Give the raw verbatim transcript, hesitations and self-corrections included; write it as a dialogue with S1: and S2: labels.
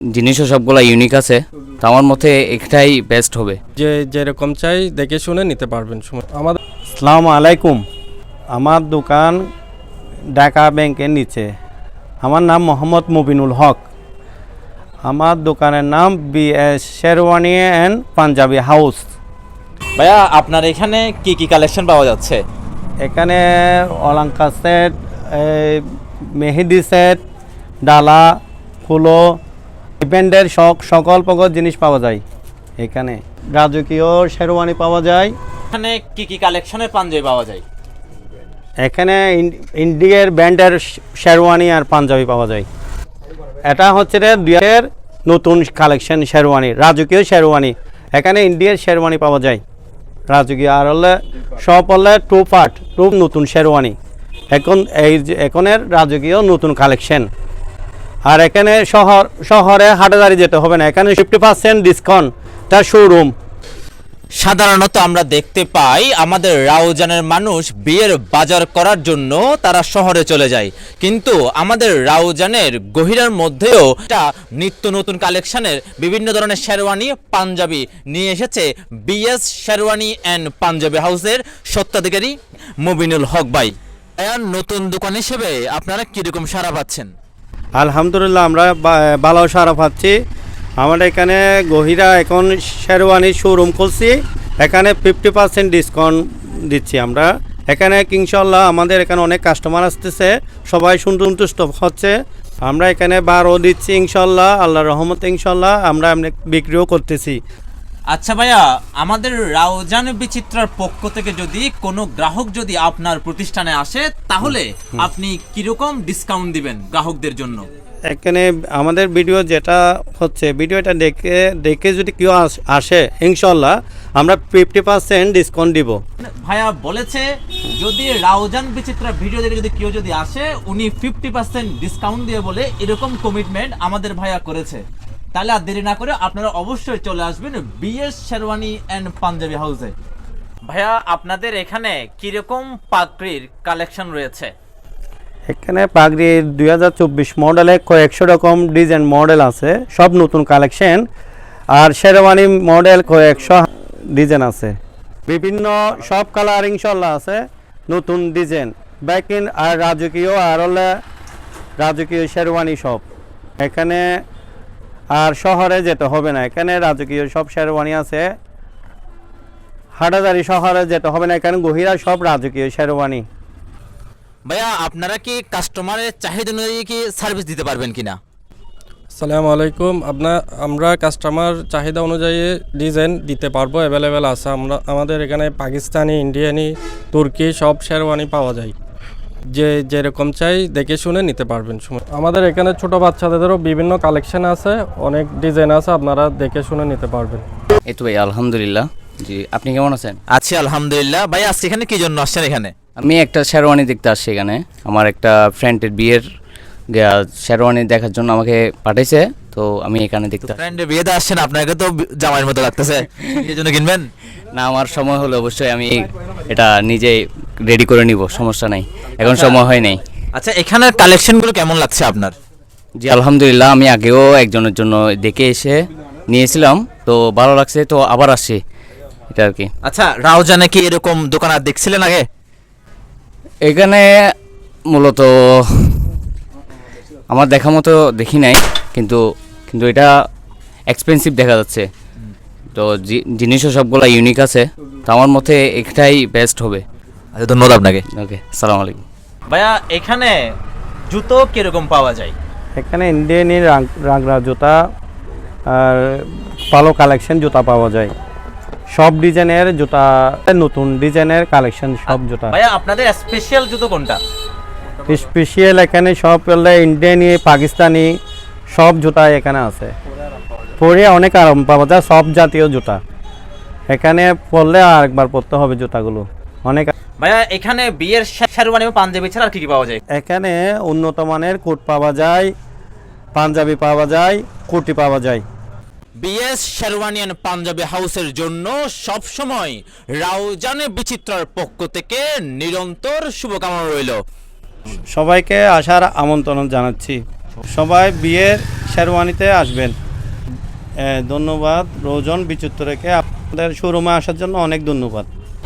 S1: জিনিসও সবগুলো ইউনিক আছে, তো আমার মতে একটাই বেস্ট হবে।
S2: যে যেরকম চাই দেখে শুনে নিতে পারবেন। আমাদের
S3: আসসালামু আলাইকুম। আমার দোকান ঢাকা ব্যাংকের নিচে। আমার নাম মোহাম্মদ মুবিনুল হক। আমার দোকানের নাম B S sherwani and Punjabi house.
S4: ভাইয়া আপনার এখানে কি কি কালেকশন পাওয়া যাচ্ছে?
S3: এখানে অলঙ্কার সেট, মেহেদি সেট, ডালা, ফুলো, ইভেন্টের শখ সকল প্রকার জিনিস পাওয়া যায়। এখানে রাজকীয় শেরওয়ানি পাওয়া যায়।
S4: এখানে কি কি কালেকশনের পাঞ্জাবি পাওয়া যায়?
S3: এখানে ইন্ডিয়ার ব্র্যান্ডের শেরওয়ানি আর পাঞ্জাবি পাওয়া যায়। এটা হচ্ছে রে দুইয়ের নতুন কালেকশন শেরওয়ানি, রাজকীয় শেরওয়ানি। এখানে ইন্ডিয়ার শেরওয়ানি পাওয়া যায় রাজকীয়, আর হলে সব হলে টু পার্ট টু নতুন শেরওয়ানি। এখন এই যে এখনের রাজকীয় নতুন কালেকশন। আর এখানে শহর শহরে হাটাদারি যেতে হবে না, এখানে ফিফটি পার্সেন্ট ডিসকাউন্ট তার শোরুম।
S4: সাধারণত আমরা দেখতে পাই আমাদের রাউজানের মানুষ বিয়ের বাজার করার জন্য তারা শহরে চলে যায়, কিন্তু আমাদের রাউজানের গহিরার মধ্যেও একটা নিত্য নতুন কালেকশনের বিভিন্ন ধরনের শেরওয়ানি পাঞ্জাবি নিয়ে এসেছে বিএস শেরওয়ানি অ্যান্ড পাঞ্জাবি হাউসের স্বত্বাধিকারী মুবিনুল হক ভাই। নতুন দোকান হিসেবে আপনারা কিরকম সাড়া পাচ্ছেন?
S3: আলহামদুলিল্লাহ, আমরা ভালো সারা পাচ্ছি। আমাদের এখানে গহিরা এখন শেরওয়ানি শোরুম খুলছি, এখানে ফিফটি পার্সেন্ট ডিসকাউন্ট দিচ্ছি আমরা। এখানে ইনশাল্লাহ আমাদের এখানে অনেক কাস্টমার আসতেছে, সবাই সন্তুষ্ট হচ্ছে। আমরা এখানে বারো দিচ্ছি ইনশাল্লাহ, আল্লাহর রহমতে ইনশাল্লাহ আমরা এমনি বিক্রিও করতেছি।
S4: আচ্ছা ভাইয়া, আমাদের রাউজান বিচিত্রার পক্ষ থেকে যদি কোনো গ্রাহক যদি আপনার প্রতিষ্ঠানে আসে, তাহলে আপনি কিরকম ডিসকাউন্ট দিবেন গ্রাহকদের জন্য?
S3: এখানে আমাদের ভিডিও যেটা হচ্ছে, ভিডিওটা দেখে দেখে যদি কেউ আসে ইনশাল্লাহ আমরা ফিফটি পার্সেন্ট ডিসকাউন্ট দিব।
S4: ভাইয়া বলেছে যদি রাউজান বিচিত্রা ভিডিও দেখে যদি কেউ যদি আসে, উনি ফিফটি পার্সেন্ট ডিসকাউন্ট দিয়ে বলে এরকম কমিটমেন্ট আমাদের ভাইয়া করেছে। তাহলে আর দেরি না করে আপনারা অবশ্যই চলে আসবেন বিএস শেরওয়ানি অ্যান্ড পাঞ্জাবি হাউসে। ভাইয়া আপনাদের এখানে কিরকম পাগড়ির কালেকশন রয়েছে?
S3: এখানে পাগড়ি দুই হাজার চব্বিশ মডেলে কয়েকশো রকম ডিজাইন মডেল আছে, সব নতুন কালেকশন। আর শেরওয়ানি মডেল কয়েকশো ডিজাইন আছে, বিভিন্ন সব কালার ইনশাল্লাহ আছে, নতুন ডিজাইন ব্যাকিন আর রাজকীয় আর হলে রাজকীয় শেরওয়ানি সব এখানে। আর শহরে যেতে হবে না, এখানে রাজকীয় সব শেরওয়ানি আছে। হাটাদারি শহরে যেতে হবে না, এখানে গহিরা সব রাজকীয় শেরওয়ানি।
S4: ভাইয়া আপনারা কি কাস্টমারের চাহিদা অনুযায়ী কি সার্ভিস দিতে পারবেন কিনা?
S2: আসসালামু আলাইকুম। আপনার আমরা কাস্টমার চাহিদা অনুযায়ী ডিজাইন দিতে পারবো, অ্যাভেলেবেল আছে। আমরা আমাদের এখানে পাকিস্তানি, ইন্ডিয়ানি, তুর্কি সব শেরওয়ানি পাওয়া যায়। যে যেরকম চাই দেখে শুনে নিতে পারবেন। আমাদের এখানে ছোট বাচ্চাদেরও বিভিন্ন কালেকশন আছে, অনেক ডিজাইন আছে, আপনারা দেখে শুনে নিতে পারবেন।
S1: এই তো ভাই আলহামদুলিল্লাহ। জি, আপনি কেমন আছেন?
S4: আছি আলহামদুলিল্লাহ। ভাই আজকে এখানে কি জন্য আসছেন? এখানে
S1: আমি একটা শেরওয়ানি দেখতে আসছি। এখানে আমার একটা ফ্রেন্ডের বিয়ের শেরওয়ানি দেখার জন্য আমাকে পাঠাইছে, তো আমি এখানে দেখতে আসছি।
S4: ফ্রেন্ডের বিয়েতে আসছেন, আপনাকে তো জামাইয়ের মতো লাগতেছে, এই জন্য কিনবেন?
S1: না, আমার সময় হলে অবশ্যই আমি এটা নিজেই রেডি করে নিব, সমস্যা নাই, এখন সময় হয় নাই।
S4: আচ্ছা, এখানের কালেকশনগুলো কেমন লাগছে আপনার?
S1: জি আলহামদুলিল্লাহ, আমি আগেও একজনের জন্য দেখে এসে নিয়েছিলাম, তো ভালো লাগছে, তো আবার আসছি এটা আর কি।
S4: আচ্ছা, রাউজানে কি এরকম দোকান আর দেখছিলেন আগে?
S1: এখানে মূলত আমার দেখা মতো দেখি নাই, কিন্তু কিন্তু এটা এক্সপেন্সিভ দেখা যাচ্ছে, তো জিনিসও সবগুলো ইউনিক আছে, তো আমার মতে একটাই বেস্ট হবে।
S4: আচ্ছা, ধন্যবাদ আপনাকে।
S1: ওকে, আসসালামু আলাইকুম।
S4: ভাইয়া এখানে জুতো কিরকম পাওয়া যায়?
S3: এখানে ইন্ডিয়ানি রাগরা জুতা আর ভালো কালেকশন জুতা পাওয়া যায়, সব ডিজাইনের জুতা, নতুন ডিজাইনের কালেকশন সব জুতা।
S4: ভাইয়া আপনাদের স্পেশাল জুতো কোনটা?
S3: স্পেশাল এখানে সব ইন্ডিয়ানি, পাকিস্তানি সব জুতা এখানে আছে, পরে অনেক আরাম পাওয়া যায়, সব জাতীয় জুতা এখানে পরলে আরেকবার পরতে হবে জুতাগুলো অনেক।
S4: ভাইয়া এখানে বিয়ের শেরওয়ানি ও পাঞ্জাবি ছাড়া আর কি কি পাওয়া যায়?
S3: এখানে উন্নত মানের কোট পাওয়া যায়, পাঞ্জাবি পাওয়া যায়, কুর্তি পাওয়া যায়।
S4: বিএস শেরওয়ানি এন্ড পাঞ্জাবি হাউসের জন্য সব সময় রাউজানে বিচিত্রার পক্ষ থেকে নিরন্তর শুভকামনা রইল।
S3: সবাইকে আসার আমন্ত্রণ জানাচ্ছি। সবাই বিয়ের শেরওয়ানিতে আসবেন। এ, ধন্যবাদ রোজন বিচুত্তরকে আপনাদের শোরুমে আসার জন্য অনেক ধন্যবাদ।